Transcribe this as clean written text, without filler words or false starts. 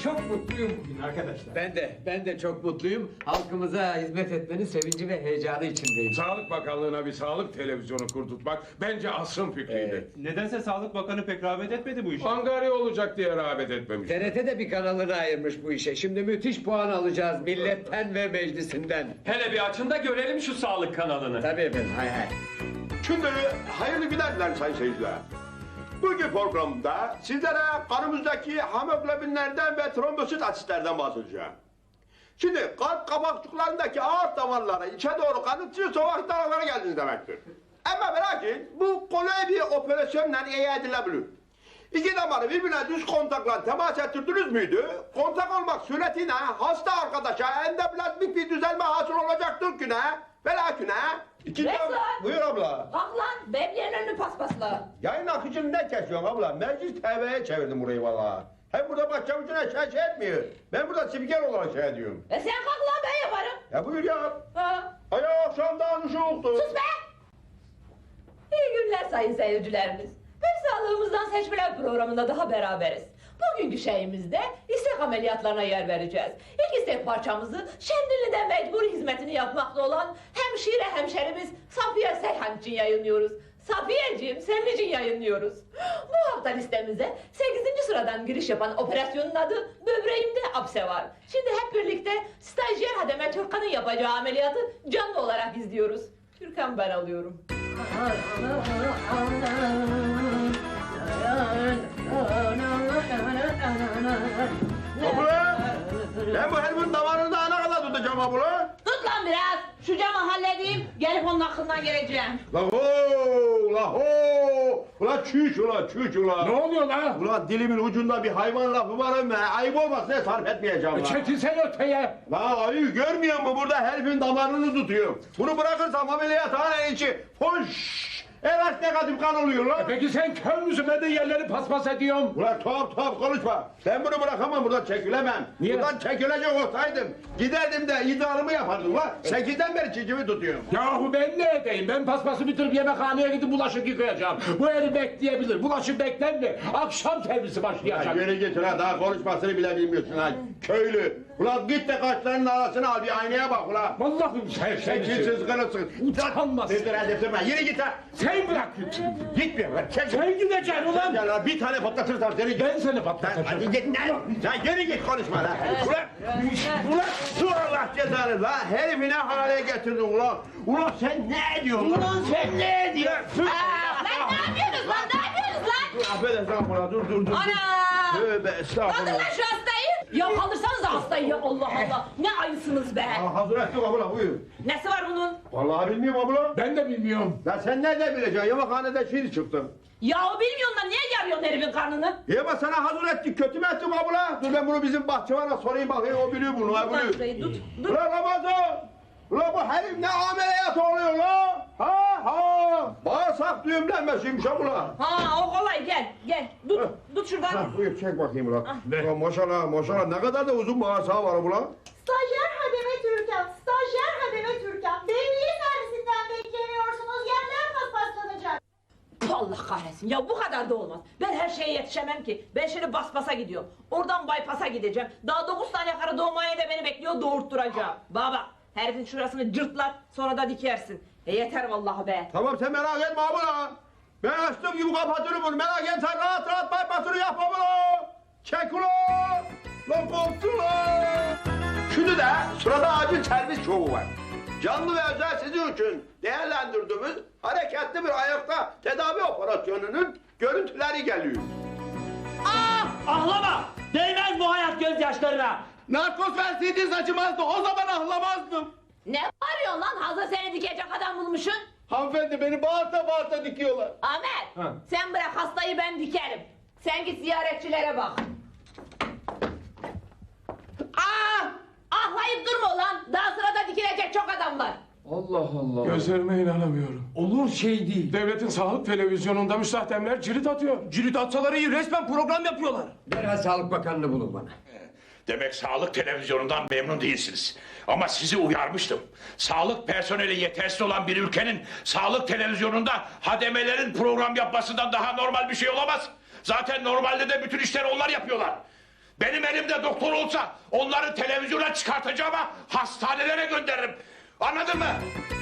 çok mutluyum bugün arkadaşlar. Ben de çok mutluyum. Halkımıza hizmet etmenin sevinci ve heyecanı içindeyim. Sağlık Bakanlığı'na bir sağlık televizyonu kurdurtmak bence asrın fikriydi. Nedense Sağlık Bakanı pek rağbet etmedi bu işe. Angarya olacak diye rağbet etmemiş. TRT de bir kanalını ayırmış bu işe. Şimdi müthiş puan alacağız milletten ve meclisinden. Hele bir açın da görelim şu sağlık kanalını. Tabii efendim, hay hay. Şimdi hayırlı günler dilerim sayın seyirciler. Bugün programda sizlere kanımızdaki hemoglobinlerden ve trombosit asitlerden bahsedeceğim. Şimdi kalp kabakçıklarındaki ağır damarlara içe doğru kanıtçı sokak damarlara geldiniz demektir. Ama merak etmeyin, bu kolay bir operasyonla iyi edilebilir. İki damarı birbirine düz kontakla temas ettirdiniz müydü? Kontak olmak suretiyle hasta arkadaşa endoplazmik bir düzelme hasıl olacaktır ki ne? Velakine Resmen. Buyur abla. Kalk lan, beblerin önünü paspasla. Yayın akıcını ne kesiyorsun abla? Meclis TV'ye çevirdim burayı valla. Hem burada başçavuşuna şey etmiyor. Ben burada spiker olarak şey ediyorum. Sen kalk lan, ben yaparım. Ya buyur ya. Ha. Hay akşamdan ışıktı. Sus be! İyi günler sayın seyircilerimiz. Bir sağlığımızdan seçmeler programında daha beraberiz. Bugünkü şeyimizde istek ameliyatlarına yer vereceğiz. İlk istek parçamızı Şendilli'de mecburi hizmetini yapmakta olan hemşerimiz Safiye Seyhan için yayınlıyoruz. Safiyeciğim, senin için yayınlıyoruz. Bu hafta listemize 8. sıradan giriş yapan operasyonun adı böbreğimde apse var. Şimdi hep birlikte stajyer Hademe Türkan'ın yapacağı ameliyatı canlı olarak izliyoruz. Türkan ben alıyorum. Abla! Ben bu herifin damarını daha ne kadar tutacağım abla? Tut lan biraz. Şu camı halledeyim. Gelip onun hakkından geleceğim. La ho! La ho! Ula çüş ula çüş ula! Ne oluyor lan? Ula dilimin ucunda bir hayvan lafı var ama ayıp olmasın sarf etmeyeceğim la. Çekilsene öteye. La ayı görmüyor musun burada herifin damarını tutuyor. Bunu bırakırsam ameliyathane içi hoş! Evet negatif kan oluyor lan. Peki sen kör müsün? Ben de yerleri paspas ediyorum. Ulan tuhaf konuşma. Ben bunu bırakamam, buradan çekilemem. Niye? Buradan çekilecek olsaydım giderdim de iddialımı yapardım lan. 8'den beri çicimi tutuyorum. Yahu ben ne edeyim? Ben paspası bitirip yemekhaneye gidip bulaşık yıkayacağım. Bu herif bekleyebilir. Bulaşık bekler mi? Akşam servisi Ya başlayacak. yürü git ulan, daha konuşmasını bile bilmiyorsun ha. Köylü. Ulan git de kaşlarının arasını al, bir aynaya bak ulan. Vallahi sen Şekilsiz kırılsın. Utanmaz. Edip durma, yürü git ha. Sen bırak git. Gitmiyor lan, çek. Sen gideceksin ulan. Ya lan bir tane patlatırsam seni git. Ben seni Lan patlatacağım. hadi git lan. Sen yürü git konuşma lan. Ulan su Allah cezanı lan. Herifi ne hale getirdin ulan. Ulan sen ne ediyorsun Ulan sen ne ediyorsun? Lan ne yapıyorsunuz lan? Ne yapıyorsunuz lan? Affedersin ulan dur. Ana! Tövbe Kaldırın estağfurullah. lan şu hastayı. Ya kaldırsanız da hastayı ya Allah Allah. Ne ayısınız be. Hazır ettik abla buyur. Nesi var bunun? Vallahi bilmiyorum abla. Ben de bilmiyorum. Lan sen nereden bileceksin? Yemekhanede şimdi çıktım. Yahu bilmiyorsun da niye yarıyorsun herifin karnını? Yeme sana hazır ettik. Kötü mü ettim abla? Dur ben bunu bizim bahçıvana sorayım bakayım. O biliyor bunu. Ha Lan biliyor. şurayı tut. Dur. Ulan Ramazan! Ulan bu herif ne ameliyat oluyor la? Ha! Bağırsak düğümlenmesiymiş ha bula. Ha o kolay gel. Heh. Tut şuradan. Ha, buyur çek bakayım ulan. Ulan maşallah ne kadar da uzun bağırsağı var bula. Stajyer Hademe Türkan. Devriye servisinden bekleniyorsunuz. Yerler paspaslanacak. Allah kahretsin ya bu kadar da olmaz. Ben her şeye yetişemem ki. Ben şimdi Baspas'a gidiyorum. Oradan Bypass'a gideceğim. Daha 9 tane karı doğmaya da beni bekliyor, doğurtturacağım. Baba herifin şurasını cırtlat sonra da dikersin. Yeter vallahi be. Tamam sen merak etme abla. Ben açtığım gibi kapatırım bunu. Merak etme sen rahat bypassını yap abla. Çek ulan. Lan korktu lan. Şimdi de sırada acil servis şovu var. Canlı ve özel sizin için değerlendirdiğimiz hareketli bir ayakta tedavi operasyonunun görüntüleri geliyor. Ahlama! Değmez bu hayat gözyaşlarına! Narkoz verseydiniz acımazdı. O zaman ahlamazdım. Ne bağırıyorsun lan? Hazır seni dikecek adam bulmuşsun. Hanımefendi beni bağırta dikiyorlar. Ahmet sen bırak hastayı ben dikerim. Sen git ziyaretçilere bak. Ahlayıp durma ulan. Daha sırada dikilecek çok adam var. Allah Allah. Gözlerime inanamıyorum. Olur şey değil. Devletin sağlık televizyonunda müstahdemler cirit atıyor. Cirit atsaları iyi resmen program yapıyorlar. Derhal Sağlık Bakanı'nı bulun bana. Demek sağlık televizyonundan memnun değilsiniz. Ama sizi uyarmıştım. Sağlık personeli yetersiz olan bir ülkenin sağlık televizyonunda hademelerin program yapmasından daha normal bir şey olamaz. Zaten normalde de bütün işleri onlar yapıyorlar. Benim elimde doktor olsa onları televizyona çıkartacağım ama hastanelere gönderirim. Anladın mı?